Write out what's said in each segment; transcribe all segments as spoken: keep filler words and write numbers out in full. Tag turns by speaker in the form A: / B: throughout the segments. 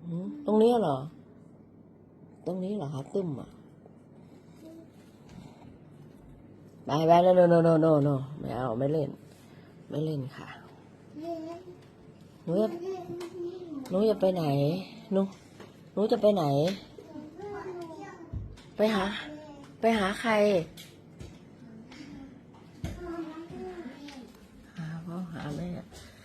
A: อืมตรงนี้เหรอตรงนี้เหรอคะตึ้มอ่ะไปไปโนโนโนโนโนโนไม่เอาไม่เล่น ไม่เล่นค่ะหนูจะหนูจะไปไหนหนูหนูจะไปไหน ไปหา ไปหาใครหาพ่อหาแม่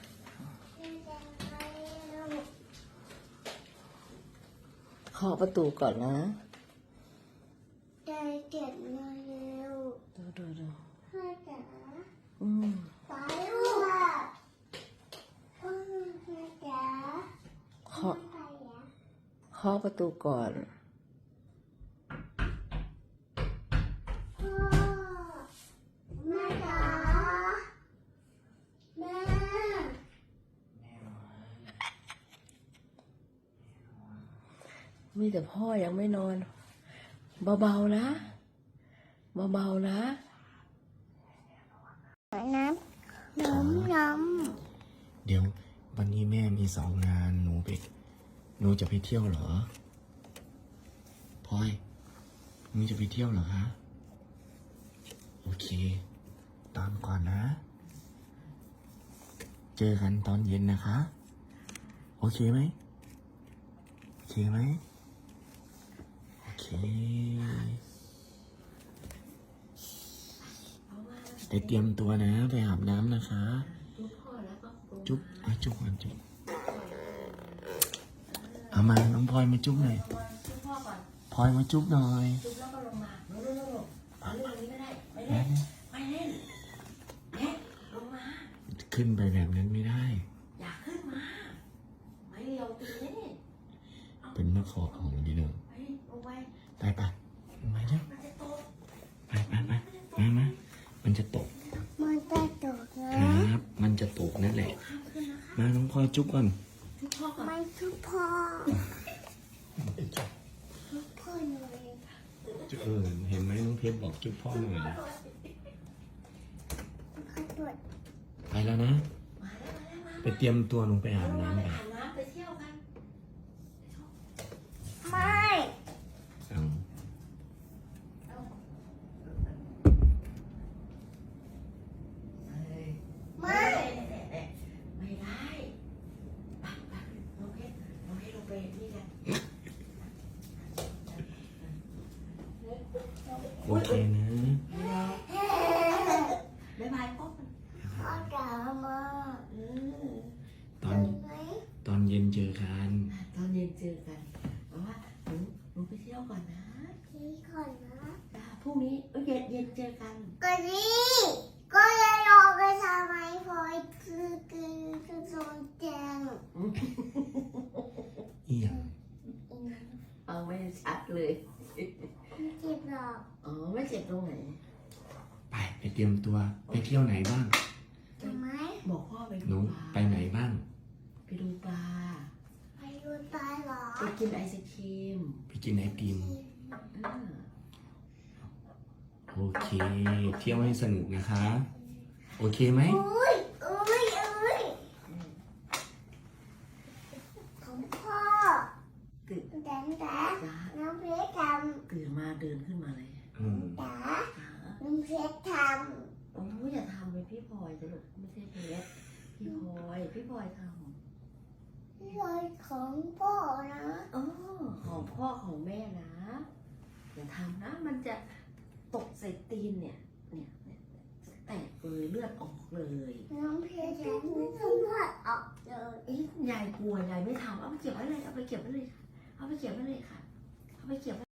A: เคาะประตูก่อนนะ
B: ใจเก็บมาเร็ว
A: ดูดูดู
B: พ่อจ๋า
A: อืม
B: ไปลูกพ่อจ๋า
A: เคาะเคาะประตูก่อน
B: พ่อแม่จ๋าแม่
A: มีแต่พ่อยังไม่นอนเบาๆนะเบาๆนะ
B: น้ำน้ำน้
C: ำเดี๋ยววันนี้แม่มีสองงานหนูไปหนูจะไปเที่ยวเหรอพลอยหนูจะไปเที่ยวเหรอคะโอเคตามก่อนนะเจอกันตอนเย็นนะคะโอเคไหมโอเคไหมโอเคไปเตรียมตัวนะไปอาบน้ำนะคะจุ๊บไอ้จุ๊บก่อนจุ๊บเอามาน้องพลอยมาจุ๊บหน่อยพลอยมาจุ๊บหน่อย
A: จุ๊บแล้วก็ลงมาโน่นโน่นโน่นเอาเรื่องนี้ไม่ได้ไม่เล่นไม่เล่นเอ๊ะลงมา
C: ขึ้นไปแบบนั้นไม่ได้
A: อยากขึ้นมาไม่ลงตีนี่
C: เป็นมะขอของดีเนอะ
A: ไปลงไป
C: ไปไปมาเร็วไปไปไปมามามันจะตก
B: มันจะตกนะครับ
C: มันจะตกนั่นแหละมาน้องพลอยจุ๊บก่อน
A: จุ๊บพ่อก่อน
B: ไม่ทุกพ่อทุกพ่อหน่อย
C: เออเห็นไหมน้องเพชรบอกจุ๊บพ่อหน่อยไปแล้วนะไปเตรียมตัวลงไปอาบน้ำกัน
A: ไปเที่ยวกัน
B: ไม่
C: เอา
B: ไม่
A: ไม่ได้ไปไปน้องเพชรน้องเพชรลงไปนี่กัน
C: โอเคนะ
A: บ๊ายบายพ่อ
B: พ่อจ๋ามา
C: ตอนตอนเย็นเจอกัน
A: ตอนเย็นเจอกันเพราะว่าหนูหนูไปเที่ยวก่อนนะ
B: ที่ก่อนนะ
A: พรุ่งนี้เย็นเย็นเจอกัน
B: ก็นี่ก็จะรอไปทำไมพอยคือคือคือโซนแจง
C: อีหยัง
A: เอาไม่ชัดเลย
B: ไม่เจ็บหรอก
A: อ๋อไม่เจ็บตรงไหน
C: ไปไปเตรียมตัวไปเที่ยวไหนบ้าง
B: ทำไม
A: บอกพ่อไป
C: หนู
A: ดูปลา
C: ไปไหนบ้าง
A: ไปดูปลา
B: ไปดูปลาเหรอ
A: ไปกินไอศครีม
C: ไปกินไอติมโอเคเที่ยวให้สนุกนะคะโอเคไหม
B: อุ้ยอุ้ยอุ้ยของพ่อ
A: ตื่น
B: แต่แต่น้องเพชรทำ
A: ตื่นมาเดินขึ้นมาเลย
B: แต่น้องเพชรทำ
A: โอ้ยอย่าทำเป็นพี่พลอยจะลูกไม่ใช่เพชรพี่พลอยพี่พลอยท
B: ำพี่พลอยของพ่อนะ
A: อ๋อของพ่อของแม่นะอย่าทำนะมันจะตกใส่ตีนเนี่ยเนี่ยเนี่ยแตกเลยเลือดออกเลย
B: น้องเพชรทำเลือดออกเลย
A: เอ๊ะยายกลัวยายไม่ทำเอาไปเก็บไว้เลยเอาไปเก็บไว้เลยค่ะเอาไปเก็บไว้เลยค่ะเอาไปเก็บ